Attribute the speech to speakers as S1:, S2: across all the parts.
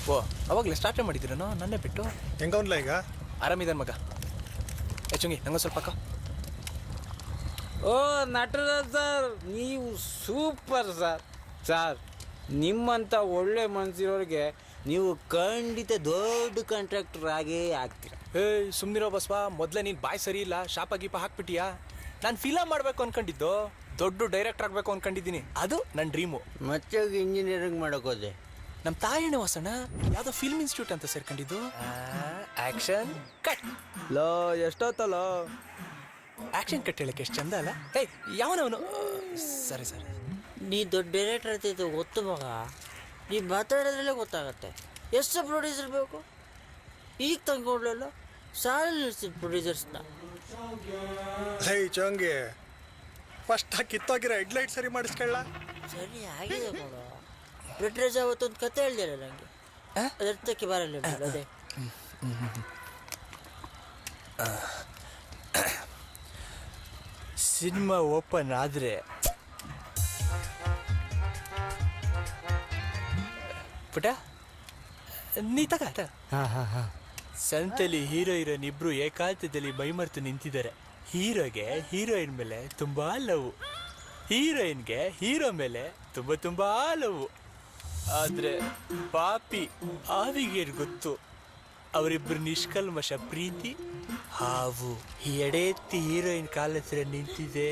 S1: ಓ ಅವಾಗಲೇ ಸ್ಟಾರ್ಟೇ ಮಾಡಿದ್ದೀರನೋ ನನ್ನೇ ಬಿಟ್ಟು.
S2: ಹೆಂಗವನ್ಲ ಈಗ?
S1: ಆರಾಮಿದ್ದಾನೆ ಮಗ. ಚುಂಗಿ ನಂಗೆ ಸ್ವಲ್ಪ ಅಕ್ಕ.
S3: ಓ ನಟರಾಜ್ ಸರ್, ನೀವು ಸೂಪರ್ ಸರ್. ಸರ್, ನಿಮ್ಮಂಥ ಒಳ್ಳೆ ಮನಸ್ಸಿರೋರಿಗೆ ನೀವು ಖಂಡಿತ ದೊಡ್ಡ ಕಾಂಟ್ರಾಕ್ಟರ್ ಆಗೇ ಆಗ್ತೀರ.
S1: ಏಯ್ ಸುಮ್ಮನಿರೋ ಬಸ್ವಾ, ಮೊದಲೇ ನೀನು ಬಾಯ್ ಸರಿ ಇಲ್ಲ, ಶಾಪ ಗೀಪ ಹಾಕ್ಬಿಟ್ಟಿಯಾ. ನಾನು ಫಿಲಮ್ ಮಾಡಬೇಕು ಅನ್ಕೊಂಡಿದ್ದು, ದೊಡ್ಡ ಡೈರೆಕ್ಟರ್ ಆಗಬೇಕು ಅನ್ಕೊಂಡಿದ್ದೀನಿ. ಅದು ನನ್ನ ಡ್ರೀಮು.
S3: ಮತ್ತೆ ಇಂಜಿನಿಯರಿಂಗ್ ಮಾಡೋಕೋದೆ.
S1: ನಮ್ಮ ತಾಯಣ್ಣ ವಾಸಣ್ಣ ಯಾವುದೋ ಫಿಲ್ಮ್ ಇನ್ಸ್ಟಿಟ್ಯೂಟ್ ಅಂತ ಸೇರ್ಕೊಂಡಿದ್ದು. Action cut.
S4: ಲೋ ಎಷ್ಟೊತ್ತಲ್ಲ
S1: ಆಕ್ಷನ್ ಕಟ್ ಹೇಳಕ್ಕೆ ಎಷ್ಟು ಚಂದ ಅಲ್ಲ. ಏಯ್ ಯಾವನವನು? ಸರಿ ಸರಿ.
S3: ನೀ ದೊಡ್ಡ ಡೈರೆಕ್ಟರ್ ಆಗ್ತಿತ್ತು ಗೊತ್ತು ಮಗ. ನೀ ಮಾತಾಡೋದ್ರಲ್ಲೇ ಗೊತ್ತಾಗತ್ತೆ ಎಷ್ಟು ಪ್ರೊಡ್ಯೂಸರ್ ಬೇಕು. ಈಗ ತಂದ್ಕೊಡ್ಲಲ್ಲ ಸಾಲ ನಿಲ್ಸಿದ ಪ್ರೊಡ್ಯೂಸರ್ಸ್ನ.
S2: ಹೇ ಚಂಗಿ, ಫಸ್ಟ್ ಕಿತ್ತೋಗಿರೋ ಹೆಡ್ಲೈಟ್ ಸರಿ ಮಾಡಿಸ್ಕೊಳ್ಳ.
S3: ಸರಿ ಆಗಿದೆ ನೋಡು. ನಟರಾಜ್ ಅವತ್ತೊಂದು ಕತೆ ಹೇಳ್ದಿಲ್ಲ ನನಗೆ, ಅದರ್ಥಕ್ಕೆ ಬರಲ್ಲ ಅದೇ.
S1: ಸಿನಿಮಾ ಓಪನ್ ಆದರೆ ಪುಟ ನೀ ತಗ. ಸಂತೆಲಿ ಹೀರೋ ಹೀರೋಯಿನ್ ಇಬ್ರು ಏಕಾಂತದಲ್ಲಿ ಮೈಮರ್ತು ನಿಂತಿದ್ದಾರೆ. ಹೀರೋಗೆ ಹೀರೋಯಿನ್ ಮೇಲೆ ತುಂಬಾ ಲವ್, ಹೀರೋಯಿನ್ಗೆ ಹೀರೋ ಮೇಲೆ ತುಂಬಾ ಲವ್. ಆದ್ರೆ ಪಾಪಿ ಆವಿಗೆ ಗೊತ್ತು ಅವರಿಬ್ರು ನಿಷ್ಕಲ್ಮಶ ಪ್ರೀತಿ ಹಾವು. ಎಡೆ ಎತ್ತಿ ಹೀರೋಯಿನ್ ಕಾಲ ಹತ್ರ ನಿಂತಿದೆ.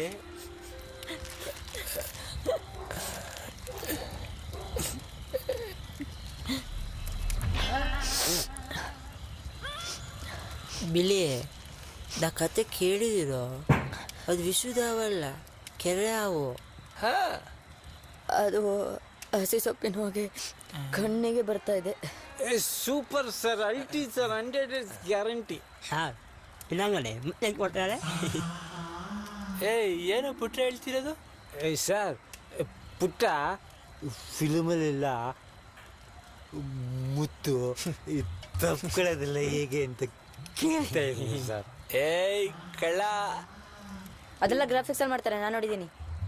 S3: ಬಿಳಿ, ನಾ ಕತೆ ಕೇಳಿದಿರೋ, ಅದು ವಿಶ್ವದಾವಲ್ಲ, ಕೆರೆ ಹಾವು.
S5: ಅದು ಹಸಿ ಸೊಪ್ಪಿನ ಹೋಗಿ ಕಣ್ಣಿಗೆ ಬರ್ತಾ ಇದೆ.
S3: ಸೂಪರ್ ಸರ್, ಅಲ್ಟಿ ಸರ್, 100 ಗ್ಯಾರಂಟಿ.
S6: ಹಾಂ ಇನ್ನಂಗಡೆ ಮತ್ತೆ ಕೊಟ್ಟಾಳೆ.
S1: ಏಯ್ ಏನೋ ಪುಟ್ಟ ಹೇಳ್ತಿರೋದು?
S3: ಸರ್, ಪುಟ್ಟ ಫಿಲ್ಮಲ್ಲೆಲ್ಲ ಮುತ್ತು ತಪ್ಕೊಳ್ಳೋದೆಲ್ಲ ಹೇಗೆ ಅಂತ ಕೇಳ್ತಾ ಇದ್ದೀನಿ ಸರ್.
S1: ಏಯ್ ಕಳ್ಳ,
S5: ಅದೆಲ್ಲ ಗ್ರಾಫಿಕ್ಸ್ ಅಲ್ಲಿ ಮಾಡ್ತಾರೆ, ನಾನು ನೋಡಿದ್ದೀನಿ.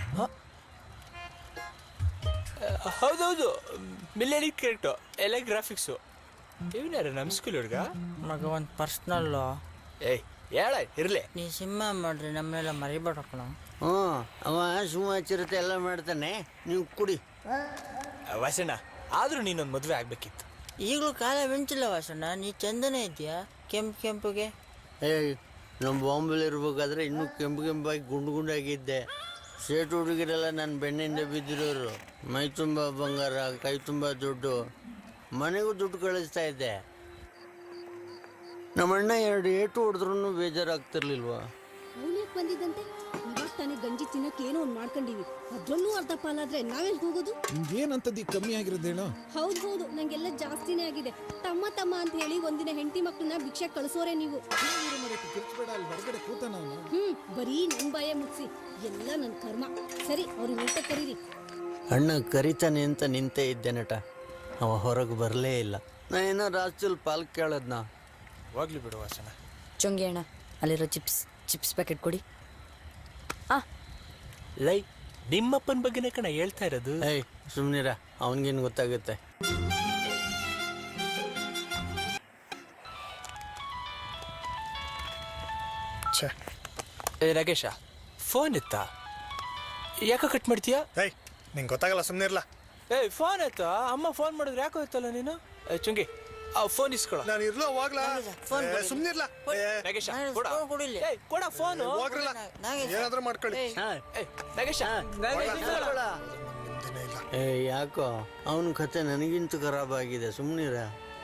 S1: ಹೌದೌದು, ಮಿಲಿಯನಿಕ್ ಕ್ಯಾರೆಕ್ಟು ಎಲ್ಲ ಗ್ರಾಫಿಕ್ಸು. ಇವನ್ಯಾರ ನಮ್ಮ ಸ್ಕೂಲ್ ಹುಡುಗ?
S3: ಮಗ ಒಂದು ಪರ್ಸ್ನಲ್ಲು.
S1: ಏಯ್ ಹೇಳ ಇರಲಿ.
S3: ನೀ ಸಿನಿಮಾ ಮಾಡ್ರಿ, ನಮ್ಮನ್ನೆಲ್ಲ ಮರಿಬೇಡಕ್ಕಣ.
S6: ಹ್ಞೂ, ಅವ ಸುಮ್ಮ ಚಿರತೆ ಎಲ್ಲ ಮಾಡ್ತಾನೆ, ನೀವು ಕುಡಿ.
S1: ವಾಸಣ್ಣ, ಆದರೂ ನೀನೊಂದು ಮದುವೆ ಆಗಬೇಕಿತ್ತು.
S3: ಈಗಲೂ ಕಾಲ ಮಿಂಚಿಲ್ಲ ವಾಸಣ್ಣ, ನೀ ಚಂದನೇ ಇದೆಯಾ ಕೆಂಪಿಗೆ.
S6: ಏಯ್, ನಮ್ಮ ಬಾಂಬೆಲಿ ಇರ್ಬೇಕಾದ್ರೆ ಇನ್ನೂ ಕೆಂಪಾಗಿ ಗುಂಡಾಗಿದ್ದೆ. ಸೇಟು ಹುಡುಗಿರೆಲ್ಲ ನನ್ನ ಬೆನ್ನಿಂದ ಬಿದ್ದಿರೋರು. ಮೈ ತುಂಬ ಬಂಗಾರ, ಕೈ ತುಂಬ ದುಡ್ಡು, ಮನೆಗೂ ದುಡ್ಡು ಕಳಿಸ್ತಾ ಇದ್ದೆ. ನಮ್ಮಣ್ಣ 2 ಏಟು ಹೊಡೆದ್ರೂ ಬೇಜಾರಾಗ್ತಿರ್ಲಿಲ್ವಾ?
S7: ಅವನ್ಯಾಕೆ ಬಂದಿದ್ದಂತೆ? ಇವಾಗ ತಾನೇ ಗಂಜಿ ತಿನ್ನಕ್ಕೆ ಏನೋ ಒಂದು ಮಾಡ್ಕೊಂಡಿವಿ, ಅದ್ರಲ್ಲೂ ಅರ್ಧ ಪಾಲಾದ್ರೆ ನಾವೆಲ್ಲಿ ಹೋಗೋದು?
S4: ನಿಮ್ಗೇನಂತದ್ದು ಕಮ್ಮಿ ಆಗಿರೋದೇನೋ?
S7: ಹೌದು, ನಂಗೆಲ್ಲ ಜಾಸ್ತಿನೇ ಆಗಿದೆ. ತಮ್ಮ ಅಂತ ಹೇಳಿ ಒಂದಿನ ಹೆಂಡತಿ ಮಕ್ಕಳನ್ನ ಭಿಕ್ಷೆ ಕಳಿಸೋರೆ ನೀವು.
S4: ಕಿರ್ಚ್ಬೇಡ, ಅಲ್ಲಿ ಹೊರಗಡೆ ಕೂತಾನ ಅವನು.
S7: ಬರೀ ನನ್ ಬಾಯ ಮುಗಿಸಿ ಎಲ್ಲ ನನ್ನ ಕರ್ಮ. ಸರಿ, ಅವ್ರಿಗೆ ಊಟ ಕರೀರಿ.
S6: ಅಣ್ಣ ಕರಿತಾನೆ ಅಂತ ನಿಂತೇ ಇದ್ದೆ ನಟ, ಅವ ಹೊರಗೆ ಬರಲೇ ಇಲ್ಲ. ನಾ ಏನೋ ರಾಜ್ಯದಲ್ಲಿ ಪಾಲ್ ಕೇಳದ್ನ.
S1: ಹೋಗ್ಲಿ ಬಿಡು ವಾಸಣ್ಣ.
S5: ಚೊಂಗಿ ಅಣ್ಣ, ಅಲ್ಲಿರೋ ಚಿಪ್ಸ್ ಪ್ಯಾಕೆಟ್ ಕೊಡಿ.
S1: ಲೈ, ನಿಮ್ಮಪ್ಪನ ಬಗ್ಗೆನೇ ಕಣ ಹೇಳ್ತಾ ಇರೋದು.
S6: ಏಯ್ ಸುಮ್ನಿರ, ಅವನಿಗೇನು ಗೊತ್ತಾಗುತ್ತೆ?
S1: ಏ ನಾಗೇಶ, ಫೋನ್ ಎತ್ತಾ? ಯಾಕೆ ಕಟ್ ಮಾಡ್ತೀಯಾ?
S2: ಏಯ್ ನಿಂಗೆ ಗೊತ್ತಾಗಲ್ಲ, ಸುಮ್ಮನೆ ಇರಲ್ಲ.
S1: ಏಯ್ ಫೋನ್ ಎತ್ತಾ? ಅಮ್ಮ ಫೋನ್ ಮಾಡಿದ್ರೆ ಯಾಕೋ ಎತ್ತಲ್ಲ ನೀನು? ಚುಂಗಿ ಫೋನ್ ಇಸ್ಕೊಳ.
S2: ನಾನು ಇರ್ಲೋ ಹೋಗ್ಲಾ? ಸುಮ್ಮನೆ ಇರ್ಲ.
S1: ನಾಗೇಶ
S3: ಕೊಡಿಲ್ಲ.
S1: ಕೊಡ ಫೋನ್.
S2: ಹೋಗ್ರಲ್ಲ, ಏನಾದ್ರೂ ಮಾಡ್ಕೊಳ್ಳಿ.
S1: ನಾಗೇಶ
S6: ಏ ಯಾಕೋ ಅವನ ಕತೆ ನನಗಿಂತೂ ಖರಾಬ್ ಆಗಿದೆ, ಸುಮ್ಮನಿರ.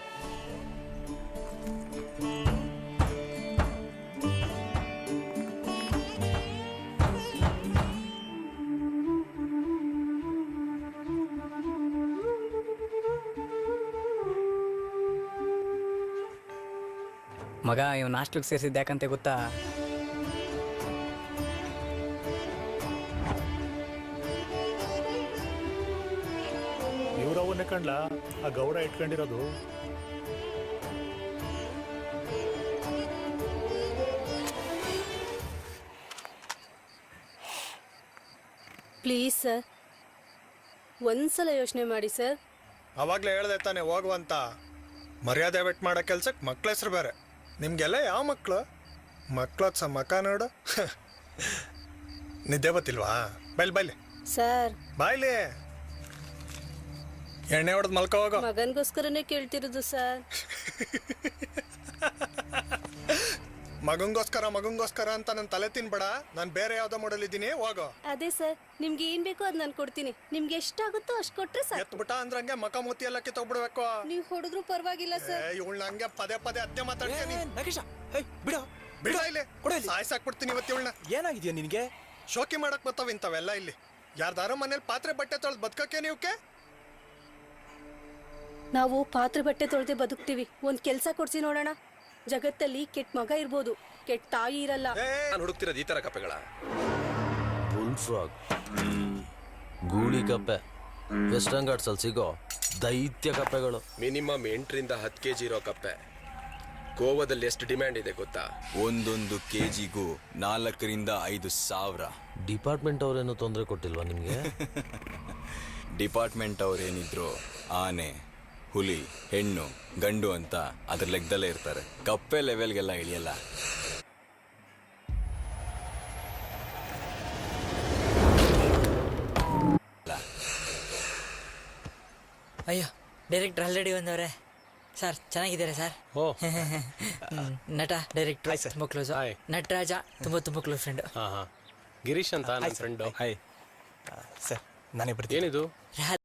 S8: ಮಗ ಇವನು ಹಾಸ್ಟೆಲ್ಗೆ ಸೇರಿಸಿದ್ದು ಯಾಕಂತೆ ಗೊತ್ತಾ?
S9: ಇವ್ರವನ್ನೇ ಕಂಡ್ಲ ಆ ಗೌಡ ಇಟ್ಕೊಂಡಿರೋದು.
S7: ಪ್ಲೀಸ್ ಸರ್, ಒಂದ್ಸಲ ಯೋಚನೆ ಮಾಡಿ ಸರ್.
S2: ಅವಾಗಲೇ ಹೇಳ್ದೆ ತಾನೆ ಹೋಗುವಂತ. ಮರ್ಯಾದೆ ಬೆಟ್ ಮಾಡೋ ಕೆಲ್ಸಕ್ಕೆ ಮಕ್ಳ ಹೆಸ್ರು ಬೇರೆ. ನಿಮಗೆಲ್ಲ ಯಾವ ಮಕ್ಕಳು? ಮಕ್ಳದ್ ಮಕ ನೋಡು. ನಿದ್ದೆ ಬತ್ತಿಲ್ವಾ? ಬೈಲಿ
S7: ಸರ್
S2: ಬಾಯ್ಲಿ. ಎಣ್ಣೆ ಹೊಡೆದು ಮಲ್ಕೋ ಹೋಗೋ.
S7: ಮಗನ್ಗೋಸ್ಕರನೇ ಕೇಳ್ತಿರೋದು ಸರ್.
S2: ಮಗಂಗೋಸ್ಕರ ಅಂತ ನನ್ನ ತಲೆ ತಿನ್ಬೇಡ. ನಾನು ಬೇರೆ ಯಾವ್ದೋ ಮಾಡಲ್ ಇದ್ದೀನಿ, ಹೋಗೋ.
S7: ಅದೇ ಸರ್, ನಿಮ್ಗೆ ಏನ್ ಬೇಕೋ ಅದ್ ನಾನು ಕೊಡ್ತೀನಿ. ನಿಮ್ಗೆ ಎಷ್ಟಾಗುತ್ತೋ ಅಷ್ಟು ಕೊಟ್ರೆ ಸರ್.
S2: ಎತ್ಬಿಟ್ಟ ಅಂದ್ರಂಗೆ ಮಕ ಮೂತಿ ಎಲ್ಲ ಕಿತ್ತೋಗ್ಬಿಡ್ಬೇಕು.
S7: ನೀವು ಹೊಡೆದ್ರು ಪರವಾಗಿಲ್ಲ ಸರ್.
S2: ಇವಳನ್ನ ಹಂಗೆ ಪದೇ ಅದ್ದೇ ಮಾತಾಡ್ತೀನಿ.
S1: ನಾಗೇಶ, ಹೇ ಬಿಡ
S2: ಬಿಡ ಇಲ್ಲಿ, ಸಾಯ್ಸಾಕ್ಬಿಡ್ತೀನಿ ಇವತ್ತು ಇವಳನ್ನ.
S1: ಏನಾಗಿದ್ಯಾ ನಿನಗೆ?
S2: ಶೋಕಿ ಮಾಡಕ್ ಬರ್ತಾವ ಇಂಥವೆಲ್ಲ ಇಲ್ಲಿ. ಯಾರ್ದಾರೋ ಮನೇಲಿ ಪಾತ್ರೆ ಬಟ್ಟೆ ತೊಳೆದು ಬದುಕಕ್ಕೆ ನೀವಕ್ಕೆ?
S7: ನಾವು ಪಾತ್ರೆ ಬಟ್ಟೆ ತೊಳೆದೇ ಬದುಕ್ತೀವಿ. ಒಂದ್ ಕೆಲ್ಸ ಕೊಡ್ಸಿ ನೋಡೋಣ. ಜಗತ್ತಲ್ಲಿ ಕೆಟ್ಟ ಮಗ ಇರ್ಬೋದು, ಕೆಟ್ಟ ತಾಯಿ ಇರಲ್ಲ.
S10: ನಾನು ಹುಡುಕ್ತಿರೋದು ಈ ತರ ಕಪ್ಪೆಗಳ.
S6: ಬುಲ್ ಫ್ರಾಗ್, ಗೂಳಿ ಕಪ್ಪೆ, ವೆಸ್ಟರ್ನ್ ಘಾಟ್ಸಲ್ಲಿ ಸಿಗೋ ದೈತ್ಯ ಕಪ್ಪೆಗಳು.
S10: ಮಿನಿಮಮ್ 8ರಿಂದ 10 kg ಇರೋ ಕಪ್ಪೆ. ಗೋವಾದಲ್ಲಿ ಎಷ್ಟು ಡಿಮ್ಯಾಂಡ್ ಇದೆ ಗೊತ್ತಾ?
S11: ಒಂದೊಂದು ಕೆಜಿಗೂ 4ರಿಂದ 5 ಸಾವಿರ.
S6: ಡಿಪಾರ್ಟ್ಮೆಂಟ್ ಅವ್ರೇನು ತೊಂದರೆ ಕೊಟ್ಟಿಲ್ವಾ ನಿಮಗೆ?
S11: ಡಿಪಾರ್ಟ್ಮೆಂಟ್ ಅವ್ರೇನಿದ್ರು ಆನೆ, ಹುಲಿ, ಹೆಣ್ಣು, ಗಂಡು ಅಂತ ಅದ್ರ ಲೆಕ್ಕದಲ್ಲೇ ಇರ್ತಾರೆ. ಕಪ್ಪೆ ಲೆವೆಲ್ಗೆಲ್ಲ ಇಳಿಯಲ್ಲ.
S3: ಅಯ್ಯೋ, ಡೈರೆಕ್ಟ್ರ್ ಆಲ್ರೆಡಿ ಬಂದವ್ರೆ. ಸರ್ ಚೆನ್ನಾಗಿದ್ದಾರೆ ಸರ್.
S1: ಓ
S3: ನಟ ಡೈರೆಕ್ಟ್ರ್ ತುಂಬ ಕ್ಲೋಸು. ನಟರಾಜ ತುಂಬ ಕ್ಲೋಸ್ ಫ್ರೆಂಡ್.
S10: ಗಿರೀಶ್ ಅಂತ ನನ್ನ ಫ್ರೆಂಡು.
S1: ಹಾಯ್ ಸರ್, ನಾನೇ ಬರ್ತೀನಿ.
S10: ಏನಿದು?